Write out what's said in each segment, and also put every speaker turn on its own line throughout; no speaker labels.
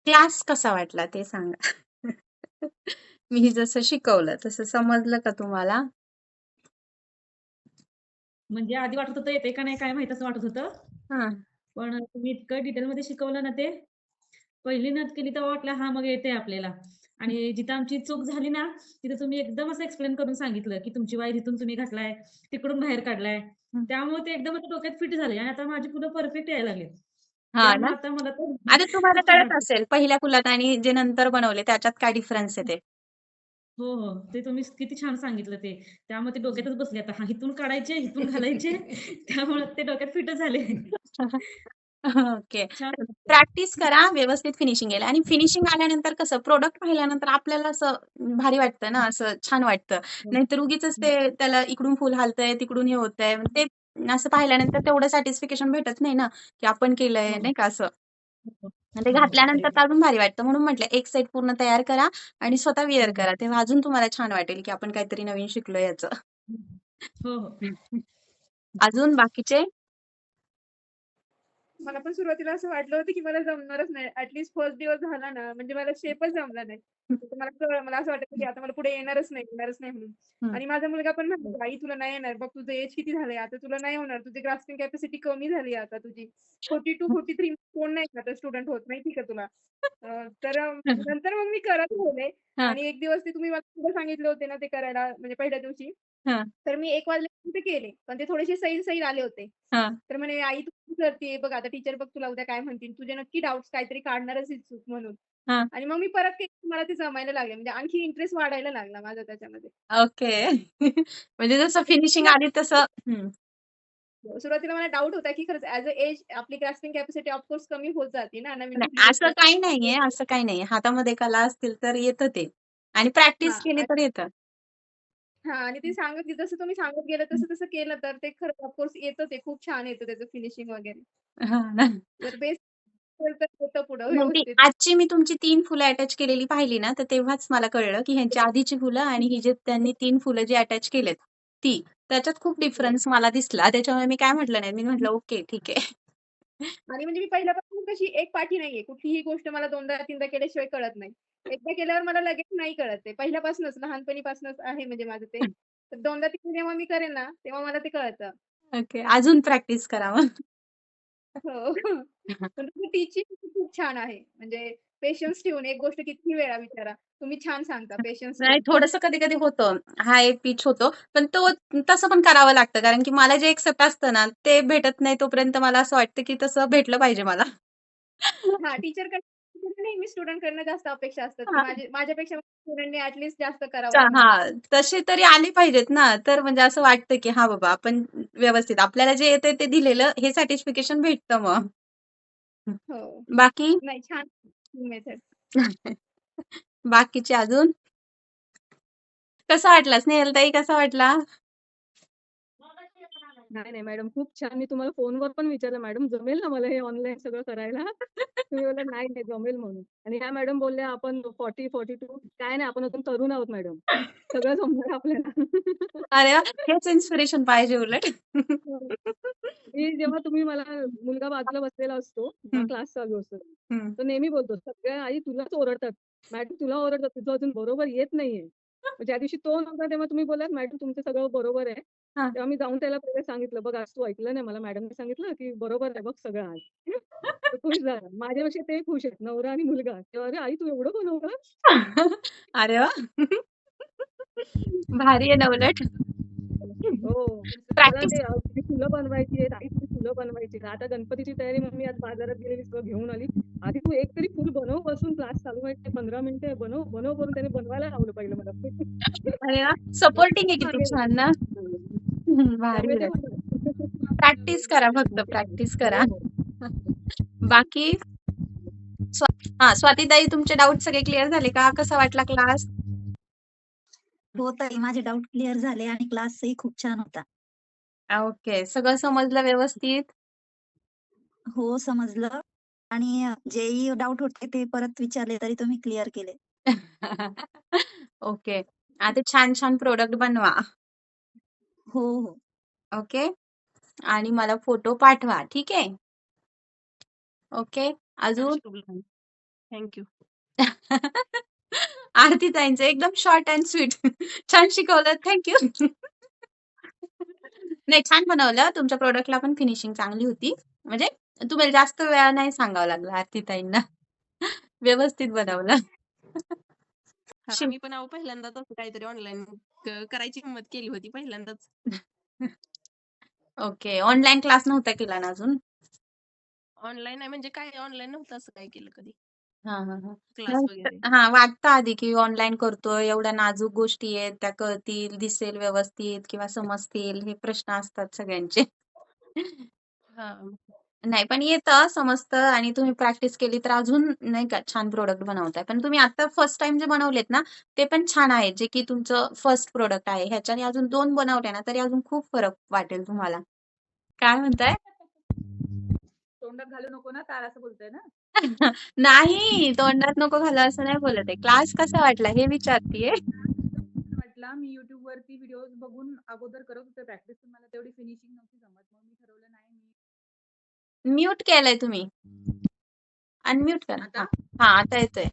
Class कसा वाटला ते सांगा? मी जसं शिकवलं तसं समजलं का तुम्हाला?
म्हणजे आधी वाटत होतं येते का नाही काय माहीत असं वाटत होतं.
हां.
पण तुम्ही इतकं डिटेलमध्ये शिकवलं ना ते, पहिली नत केली तेव्हा वाटलं हां, मग येतंय आपल्याला. आणि जिथं आमची चूक झाली ना, तिथं तुम्ही एकदम असं एक्सप्लेन करून सांगितलं, की तुमची वायर इथून तुम्ही घातलाय, तिकडून बाहेर काढलाय.
हं.
त्यामुळे ते एकदम आता डोक्यात फिट झाले आणि आता माझी फुलं परफेक्ट यायला लागलीत.
हां ना?
त्यामुळे आता मला तर
आता तुम्हाला
खूप छान
कळत
वाटतं.
असेल पहिल्या फुलात आणि जे नंतर बनवले त्याच्यात काय डिफरन्स आहे ते.
हो, हो. ते तुम्ही किती छान सांगितलं ते. त्यामुळे ते डोक्यातच बसले आता. हां, इथून काढायचे, इथून घालायचे. त्यामुळे ते डोक्यात फिटच झाले.
ओके.
छान वाटतं.
प्रॅक्टिस करा, व्यवस्थित फिनिशिंग येईल आणि फिनिशिंग आल्यानंतर कसं प्रोडक्ट पाहिल्यानंतर आपल्याला असं भारी वाटतं ना, असं छान वाटतं.
हो.
नाहीतर उगीचच
हं.
ते त्याला इकडून फुल हालतंय, तिकडून हे होतंय. ते असं पाहिल्यानंतर तेवढं सॅटिस्फिकेशन भेटत नाही ना, की आपण केलंय
हो.
नाही का असं.
हो.
आणि ते
हो, हो.
घातल्यानंतर
करेक्ट
तर
आहे.
अजून भारी वाटतं. म्हणून म्हटलं एक सेट पूर्ण तयार करा आणि स्वतः वेअर
हं.
करा. तेव्हा अजून तुम्हाला छान वाटेल, की आपण काहीतरी नवीन शिकलोय याचं.
हं. हो, हो.
अजून बाकीचे?
मला पण सुरुवातीला असं वाटलं होतं, की मला जमणारच नाही. ॲटलीस्ट फर्स्ट दिवस झाला ना, म्हणजे मला शेपच जमला नाही. तर मला कळलं मला असं वाटायचं, की आता मला पुढे येणारच नाही म्हणून.
हं.
आणि माझा मुलगा पण म्हणाला, "आई तुला नाही येणार. बघ तुझं एज किती झालंय. आता तुला नाही होणार. तुझी ग्रास्पिंग कॅपॅसिटी कमी झाली आहे आता तुझी. 42-43 कोण नाही आता स्टुडंट होत माहिती का तुला?" नंतर मग मी करत राहिले
हां,
आणि एक दिवस ते तुम्ही मला पुढे सांगितले होते ना, ते करायला म्हणजे पहिल्या दिवशी.
हां,
तर मी 1 वाजल्यापर्यंत केले. पण ते थोडेसे सैल-सैल आले होते.
हां.
तर म्हणे, "आई तू काय करतीये? बघ आता टीचर बघ तुला उद्या काय म्हणतील. तुझे नक्की डाउट्स काहीतरी काढणारच आहेत चूक म्हणून."
हां.
आणि मग मी परत केलं मला ते जमायला लागले. म्हणजे आणखी इंटरेस्ट वाढायला लागला माझा त्याच्यामध्ये.
ओके. म्हणजे जसं फिनिशिंग आली तसं हं.
सुरुवातीला मला डाऊट होता, की खरंच ॲज अ एज आपली ग्रास्पिंग कॅपॅसिटी ऑफकोर्स कमी होत जाते ना, नवीन कुठली
नाही
गोष्ट
असं काही नाहीये, असं काही नाहीये. हातामध्ये कला असतील तर येतं ते आणि प्रॅक्टिस केली
हां.
तर येतं.
हां आणि ते जसं तुम्ही सांगत गेलं तसं केलं तर ते खरंच ऑफकोर्स येतं ते खूप छान येतं त्याचं फिनिशिंग वगैरे.
हां ना.
जर बेस असेल तर येतं पुढं
नाही ती
व्यवस्थित.
आजची मी तुमची 3 फुलं अटॅच केलेली पाहिली ना, तर तेव्हाच मला कळलं, की ह्यांची आधीची फुलं आणि ही जे त्यांनी 3 फुलं जी अटॅच केलेत, ती. त्याच्यात खूप
हो.
डिफरन्स मला दिसला. त्याच्यामुळे मी काय म्हटलं नाही. मी म्हटलं, "ओके, ठीक आहे."
आणि म्हणजे मी पहिल्यापासून कशी एक पाठी नाहीये. कुठलीही गोष्ट मला 2दा-3दा केल्याशिवाय कळत नाही. एकदा केल्यावर मला लगेच नाही कळत ते. पहिल्यापासूनच लहानपणीपासूनच आहे म्हणजे माझं ते. तर 2दा-3दा जेव्हा मी करेन ना, तेव्हा मला ते कळतं.
ओके. अजून प्रॅक्टिस करा मग.
हो. पण तुमचं टीचिंग खूप छान आहे. म्हणजे पेशन्स ठेवून एक गोष्ट कितीही वेळा विचारा. तुम्ही छान सांगता पेशन्स
नाही
ठेवून.
थोडंसं कधी-कधी होतं. हा एक पिच होतो. पण तो तसं पण करावं लागतं. कारण की मला जे एक्सेप्ट असतं ना, ते भेटत नाही तोपर्यंत मला असं वाटतं, की तसं भेटलं पाहिजे मला.
हां, टीचरकडे नेहमी स्टुडंटकडनं जास्त अपेक्षा असतात, की
हां.
माझ्यापेक्षा स्टुडंटने ॲटलीस्ट जास्त करावं म्हणून.
हां, तसे तरी आले पाहिजेत ना. तर म्हणजे असं वाटतं, की हां बाबा आपण व्यवस्थित आपल्याला जे येतंय ते दिलेलं हे सॅटिस्फिकेशन भेटतं मग.
हो.
बाकी?
नाही छान मेथड.
बाकीचे अजून? कसा वाटला स्नेहलताई कसा वाटला?
नाही, नाही मॅडम खूप छान. मी तुम्हाला फोनवर पण विचारलं, "मॅडम जमेल ना मला हे ऑनलाईन सगळं करायला?" तुम्ही बोललात, "नाही, नाही जमेल" म्हणून. आणि ह्या मॅडम बोलल्या, "आपण 40-42 काय नाही आपण अजून तरुण आहोत मॅडम. सगळं जमणार आपल्याला."
अरे वाह! हेच इन्स्पिरेशन पाहिजे उलट.
हो. मी जेव्हा तुम्ही मला मुलगा बाजूला बसलेला असतो, जेव्हा
हं,
क्लास चालू असतो,
हं.
तो नेहमी बोलतो, "सगळ्या आई तुलाच ओरडतात. मॅडम तुला ओरडतात, तुझं अजून बरोबर येत नाहीये." मग ज्या दिवशी तो नव्हता तेव्हा तुम्ही बोललात, "मॅडम तुमचं सगळं बरोबर आहे."
हां.
तेव्हा मी जाऊन त्याला पहिले सांगितलं, "बघ आज तू ऐकलं नाही मला मॅडमने सांगितलं, की बरोबर आहे बघ सगळं आज." तो खुश झाला. माझ्यापेक्षा ते खुश आहेत, नवरा आणि मुलगा. तेव्हा, "अरे आई तू एवढं बनवलं?"
अरे वाह! भारी आहे ना उलट.
हो. मला
प्रॅक्टिस
ते तुझी फुलं बनवायची आहेत, आई तुझी फुलं बनवायची आहेत. आता गणपतीची तयारी मम्मी आज बाजारात गेलेली सगळं घेऊन आली. आधी तू एक तरी फुल बनव बसून क्लास चालू आहे 15 मिनिटं आहे. बनव, बनव करून त्याने बनवायला लावलं पहिलं मला.
अरे वाह! सपोर्टिंग आहे किती
मागे
छान ना.
लागले.
भारी
त्यामुळे ते
उलट.
होतं.
प्रॅक्टिस करा फक्त प्रॅक्टिस करा.
हो, हो.
बाकी स्वा स्वातीताई तुमचे डाउट सगळे क्लिअर झाले का? कसा वाटला क्लास?
हो ताई, माझे डाउट क्लिअर झाले आणि क्लासही खूप छान होता.
ओके. सगळं समजलं व्यवस्थित?
हो, समजलं आणि जेही डाउट होते ते परत विचारले तरी तुम्ही क्लिअर केले.
ओके. आता छान-छान प्रॉडक्ट बनवा.
हो, हो.
ओके. आणि मला फोटो पाठवा. ठीक आहे? ओके. अजून?
थँक
आरती ताईंचं एकदम शॉर्ट अँड स्वीट. छान शिकवलं. Thank you. नाही, छान बनवलं. तुमच्या प्रोडक्टला पण फिनिशिंग चांगली होती. म्हणजे तुम्हाला जास्त वेळा नाही सांगावं लागलं आरती ताईंना. व्यवस्थित बनवलं.
हा मी पण पहिल्यांदाच असं काहीतरी ऑनलाईन करायची हिंमत केली होती पहिल्यांदाच.
ओके. ऑनलाईन क्लास नव्हता केला ना अजून?
ऑनलाईन आहे म्हणजे काय ऑनलाईन नव्हतं असं काय केलं कधी
हां, हां, हां.
क्लास
मग
वगैरे.
वाटतं आधी की ऑनलाईन करतोय, एवढ्या नाजूक गोष्टी आहेत, त्या कळतील, दिसेल व्यवस्थित किंवा समजतील, हे प्रश्न असतात सगळ्यांचे.
हा
नाही, पण येतं, समजतं आणि तुम्ही प्रॅक्टिस केली तर अजून नाही का छान प्रॉडक्ट बनवताय. पण तुम्ही आता फर्स्ट टाईम जे बनवलेत ना, ते पण छान आहेत, जे की तुमचं फर्स्ट प्रॉडक्ट आहे. ह्याच्याने अजून 2 बनवले ना, तरी अजून खूप फरक वाटेल तुम्हाला. काय म्हणताय?
तोंडात घालू नको ना टाळ असं बोलताय ना?
नाही, तोंडात नको घालू असं नाही बोलत आहे. क्लास कसा वाटला हे विचारतीये.
वाटला मी YouTube वरती व्हिडिओज बघून अगोदर करत होते प्रॅक्टिस, पण मला तेवढी फिनिशिंग नव्हती जमत. मग मी ठरवलं नाही मी
म्यूट केलंय तुम्ही. अनम्यूट करा.
आता
हां, आता येतोय.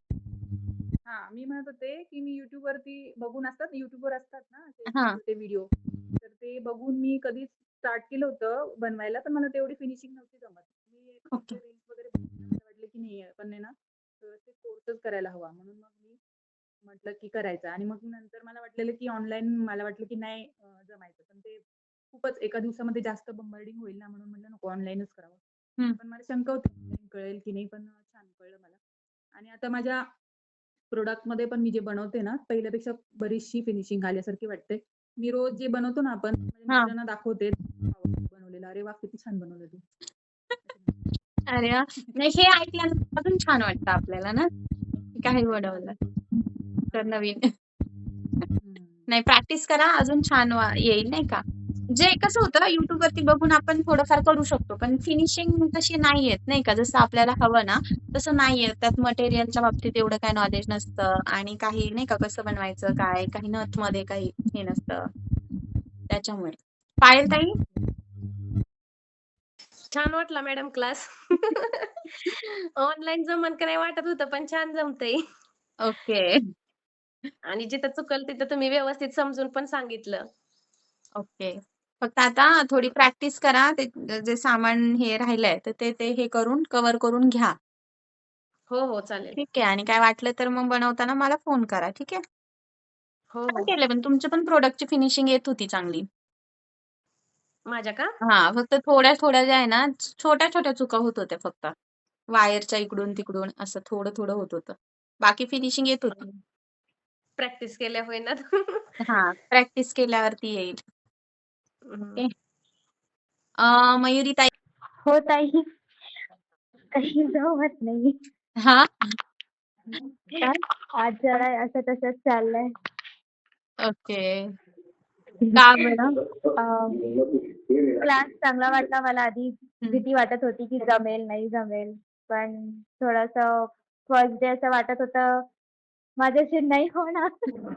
मी म्हणत होते की मी YouTube वरती बघून YouTubeवर असतात ना असे
हां.
छोटे व्हिडिओ, तर ते बघून मी कधी स्टार्ट केलं होतं बनवायला, पण मला तेवढी फिनिशिंग नव्हती जमत. मी
ओके.
रील्स वगैरे बघून मला वाटलं की नाही आपण आहे ना व्यवस्थित कोर्सच करायला हवा, म्हणून मग मी म्हटलं की करायचं. आणि मग नंतर मला वाटलेलं की ऑनलाईन मला वाटलं की नाही जमायचं, पण ते खूपच एका दिवसामध्ये जास्त बंबार्डिंग होईल ना, म्हणून म्हटलं नको ऑनलाईनच करावं.
हं.
पण मला शंका होती online कळेल की नाही, पण छान कळलं मला. आणि आता माझ्या प्रोडक्टमध्ये पण मी जे बनवते ना, पहिल्यापेक्षा बरीचशी फिनिशिंग आल्यासारखी वाटते. मी रोज जे बनवतो ना आपण, माझ्या
हां.
मिस्टरांना दाखवते बनवलेलं. "अरे वाह! किती छान बनवलं तू."
अरे वाह! नाही, हे ऐकल्यानंतर अजून छान वाटतं आपल्याला ना, की काही बनवलं तर नवीन. नाही, प्रॅक्टिस करा, अजून छान येईल नाही का. जे कसं होतं YouTube वरती बघून आपण थोडंफार करू शकतो, पण फिनिशिंग तशी नाही येत नाही का. जसं आपल्याला हवं ना, तसं नाही येत. त्यात मटेरियलच्या बाबतीत एवढं काही नॉलेज नसतं आणि काही नाही का कसं बनवायचं काय, काही नथमध्ये काही हे नसतं. त्याच्यामुळे. पायल ताई?
छान वाटला मॅडम क्लास. ऑनलाईन जमन का नाही वाटत होतं पण छान जमतंय.
ओके.
आणि जिथं चुकल तिथं तुम्ही व्यवस्थित समजून पण सांगितलं.
ओके. फक्त आता थोडी प्रॅक्टिस करा. ते जे सामान हे राहिलंय, तर ते हे करून कव्हर करून घ्या.
हो चालेल.
ठीक आहे. आणि काय वाटलं तर मग बनवताना मला फोन करा. ठीक आहे?
हो
छान केलं, पण तुमच्या पण प्रॉडक्टची फिनिशिंग येत होती चांगली.
माझ्या का?
हां, फक्त थोड्या-थोड्या ज्या आहे ना, छोट्या-छोट्या चुका होत होत्या फक्त. वायरच्या इकडून-तिकडून असं थोडं-थोडं होत होतं. बाकी फिनिशिंग येत होती.
प्रॅक्टिस केल्या होईना.
हां, प्रॅक्टिस केल्यावरती येईल.
हं.
ओके. मयुरी ताई.
हो ताई, काही जमत नाही.
हां. काय?
आज जरा असं तसंच चाललंय.
ओके. का बरं?
क्लास चांगला वाटला मला आधी.
हं.
भीती वाटत होती की जमेल, नाही जमेल. पण थोडंसं फर्स्ट डे असं वाटत होतं माझ्याशी नाही होणार.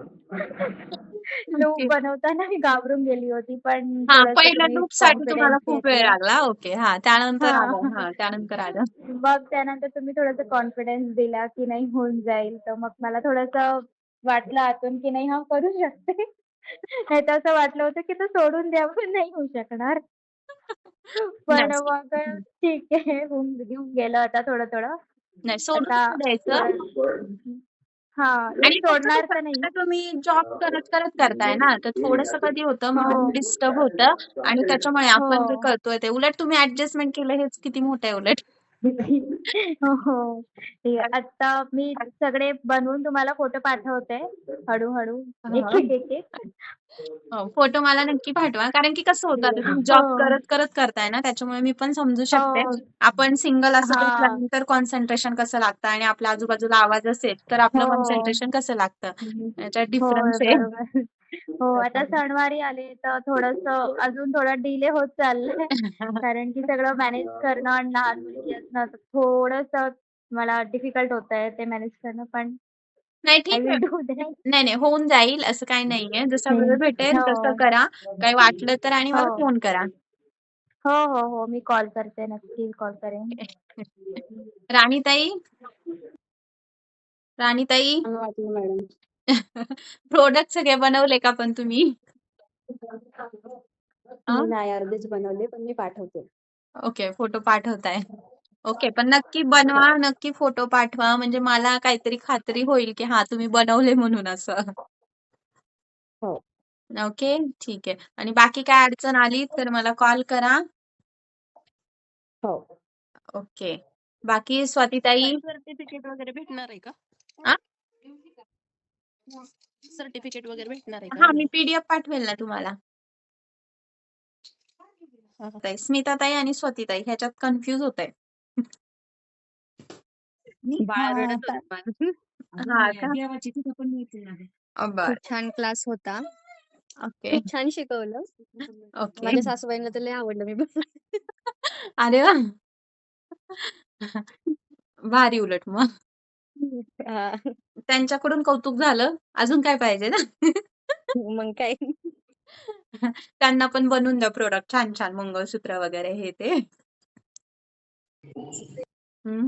Loop
okay.
बनवताना मी घाबरून गेली होती, पण
हां,
थोडंसं
पहिल्या
तुम्ही
लूपसाठी तुम्हाला
कॉन्फिडन्स
खूप वेळ
घेतलं.
लागला. ओके. हां, त्यानंतर आलं.
हां.
हां, त्यानंतर आलं.
मग त्यानंतर तुम्ही थोडंसं कॉन्फिडन्स दिला, की नाही होऊन जाईल. तर मग मला थोडंसं वाटलं आतून, की नाही करू शकते. नाहीतर असं वाटलं होतं, की तो सोडून द्यावं, नाही होऊ शकणार. पण
नाही.
मग ठीक आहे, घेऊन गेलं आता थोडं-थोडं.
नाही, सोडून
आता
नाही द्यायचं.
थोडं नाही
आणि कसं
सोडणार
होतं,
तर नाही.
आता तुम्ही जॉब करत करताय ना, तर थोडंसं कधी होतं माइंड
हो.
डिस्टर्ब होतं आणि त्याच्यामुळे आपण जे
हो.
करतोय ते उलट तुम्ही ॲडजस्टमेंट केलं हेच किती मोठं आहे उलट.
हो, हो. ठीक आहे. आता मी सगळे बनवून तुम्हाला फोटो पाठवते हळू-हळू.
हां.
एक-एक.
हो, फोटो मला नक्की पाठवा. कारण की कसं होतं, आता तुम्ही जॉब
हो.
करत करताय ना, त्याच्यामुळे मी पण समजू शकते.
हो.
आपण सिंगल असं
हां.
बसल्यानंतर कॉन्सन्ट्रेशन कसं लागतं आणि आपल्या आजूबाजूला आवाज असेल, तर आपलं
हो.
कॉन्सन्ट्रेशन कसं लागतं, याच्यात
होय,
डिफरन्स आहे.
बरोबर. हो, आता
त्याच्यामुळे.
सणवारी आले तर थोडंसं अजून थोडा डिले होत चाललाय. कारण की सगळं मॅनेज करणं आणि लहान मुलगी असणं तर थोडंसं मला डिफिकल्ट होतंय ते मॅनेज करणं, पण
नाही,
आय
ठीक आहे.
Will do that.
नाही, नाही, होऊन जाईल असं काही नाहीये. जसा वेळ भेटेल तसं
हो.
करा. काही वाटलं तर आणि मला
हो.
फोन करा.
हो, हो, हो. मी कॉल करते. नक्की कॉल करेन.
राणीताई? राणीताई
छान वाटलं मॅडम.
प्रोडक्ट सगळे बनवले का पण तुम्ही?
मी नाही अर्धेच बनवले पण मी पाठवते.
Okay, photo पाठवताय. ओके, पण नक्की बनवा, नक्की फोटो पाठवा म्हणजे मला काहीतरी खात्री होईल की हा तुम्ही बनवले म्हणून असं.
हो.
ओके, ठीक आहे. आणि बाकी काय अडचण आली तर मला कॉल करा.
हो.
ओके. बाकी स्वातीताई
सर्टिफिकेट वगैरे भेटणार आहे का?
आ?
सर्टिफिकेट वगैरे भेटणार आहे का
हा मी
म्हणलं?
पीडीएफ पाठवेल ना तुम्हाला.
हा, हा.
ताई, स्मिताताई आणि स्वातीताई ह्याच्यात कन्फ्युज होत आहे.
बाळ रडत
ता-
होतं माझं.
हा का?
देवाची तिथं पण मिळते ना.
बर.
खूप छान क्लास होता.
ओके.
खूप छान शिकवलं.
ओके.
माझ्या सासूबाईंना तर लय आवडलं मी बनवलं.
अरे वा. भारी उलट मग.
हा.
त्यांच्याकडून कौतुक झालं. अजून काय पाहिजे ना?
मग काय.
त्यांना पण बनवून द्या प्रोडक्ट छान छान मंगळसूत्र वगैरे हे ते.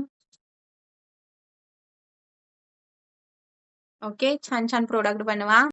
ओके, छान छान प्रोडक्ट बनवा.